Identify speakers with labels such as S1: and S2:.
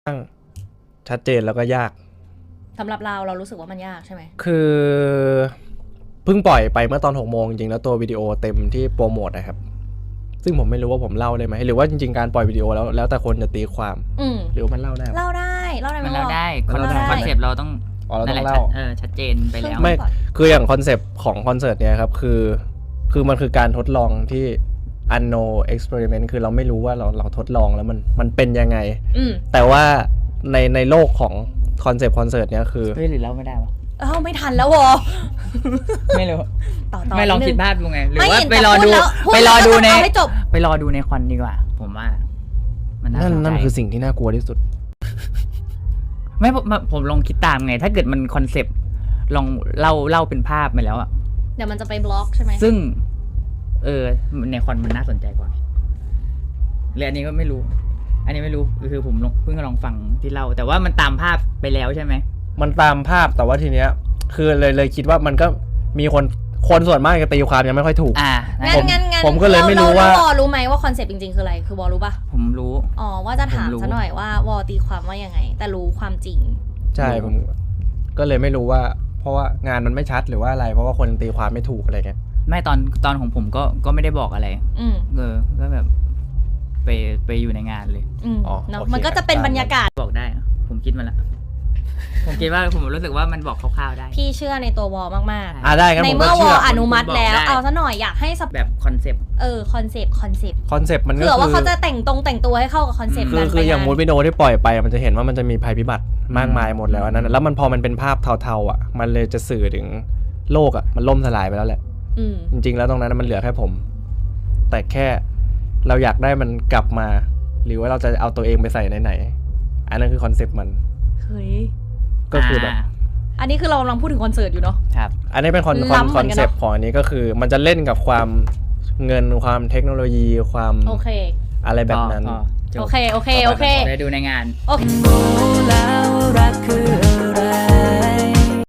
S1: ชัดเจนแล้วก็ยาก
S2: สำหรับเรารู้สึกว่ามันยากใช่ไหม
S1: คือเพิ่งปล่อยไปเมื่อตอน6 โมงจริงแล้วตัววิดีโอเต็มที่โปรโมทนะครับซึ่งผมไม่รู้ว่าผมเล่าได้ไหมหรือว่าจริงๆการปล่อยวิดีโอแล้วแต่คนจะตีความหรือมันเล่าได้
S2: มันเล่าได้
S3: คอนเซปต์เราต้อง
S1: เล่า
S3: ชัดเจนไปแล้ว
S1: ไม่คืออย่างคอนเซปต์ของคอนเสิร์ตเนี่ยครับคือมันคือการทดลองที่ unknown experiment คือเราไม่รู้ว่าเราทดลองแล้วมันเป็นยังไงแต่ว่าในโลกของคอนเซปต์คอนเสิร์ตเนี่ยคือ
S3: เฮ้ยหรือเล่าไม่ได้วะ
S2: ไม่ทันแล้ววอ
S3: ไม่รู้
S2: ต่อ
S3: ไม่ลองคิดภาพดูไงหรือว่าไปรอดูในคอนดีกว่าผมว่ามัน
S1: นั่นคือสิ่งที่น่ากลัวที่สุด
S3: ไม่ผมลองคิดตามไงถ้าเกิดมันคอนเซปต์ลองเล่าเป็นภาพไปแล้วอะ
S2: เดี๋ยวมันจะไปบล็อกใช่ไหม
S3: ซึ่งในคอนมันน่าสนใจกว่าเลยอันนี้ก็ไม่รู้คือผมเพิ่งลองฟังที่เล่าแต่ว่ามันตามภาพไปแล้วใช่ไหม
S1: มันตามภาพแต่ว่าทีเนี้ยคือเลยคิดว่ามันก็มีคนส่วนมากจะตีความยังไม่ค่อยถูก
S2: ผม
S1: ก็เลยไม่รู้ว่าว
S2: อรู้ไหมว่าคอนเซปต์จริงๆคืออะไรคือวอรู้ป่ะ
S3: ผมรู้
S2: ว่าจะถามซะหน่อยว่าวอตีความว่ายังไงแต่รู้ความจริง
S1: ใช่ผมก็เลยไม่รู้ว่าเพราะว่างานมันไม่ชัดหรือว่าอะไรเพราะว่าคนตีความไม่ถูกอะไรเงี้ย
S3: ไม่ตอนของผมก็ไม่ได้บอกอะไรก็แบบไปอยู่ในงานเลย
S2: เนาะมันก็จะเป็นบรรยากาศ
S3: บอกได้ผมคิดมาแล้วผมคิดว่าผมรู้สึกว่ามันบอกคร่าวๆได้
S2: พี่เชื่อในตัววอมาก
S1: ๆได้ครับ
S2: ในเมื่อวออนุมัติแล้วเอาซะหน่อยอยากให้
S3: แบบคอนเซปต์
S2: คอนเซปต์
S1: มันก็
S2: คือว่าเขาจะแต่งตัวให้เข้ากับคอนเซปต์กัน
S1: คืออย่างมูดวิดีโอที่ปล่อยไปมันจะเห็นว่ามันจะมีภัยพิบัติมากมายหมดแล้วนั้นแล้วมันพอมันเป็นภาพเทาๆอ่ะมันเลยจะสื่อถึงโลกอ่ะมันล่มสลายไปแล้วแหละจริงๆแล้วตรงนั้นมันเหลือแค่ผมแต่แค่เราอยากได้มันกลับมาหรือว่าเราจะเอาตัวเองไปใส่ไหนอันนั้นคือคอนเซปต์มัน
S2: เฮ้ย
S1: ก็คือแบบ
S2: อันนี้คือเรากำลังพูดถึงคอนเสิร์ตอยู่เนาะ
S3: ครับ
S1: อันนี้เป็นคอนเซปต์ของอันนี้ก็คือมันจะเล่นกับความเงินความเทคโนโลยีความอะไรแบบนั้น
S2: โอเค
S3: ไปดูในงาน
S2: โอเคแล้วรักคือ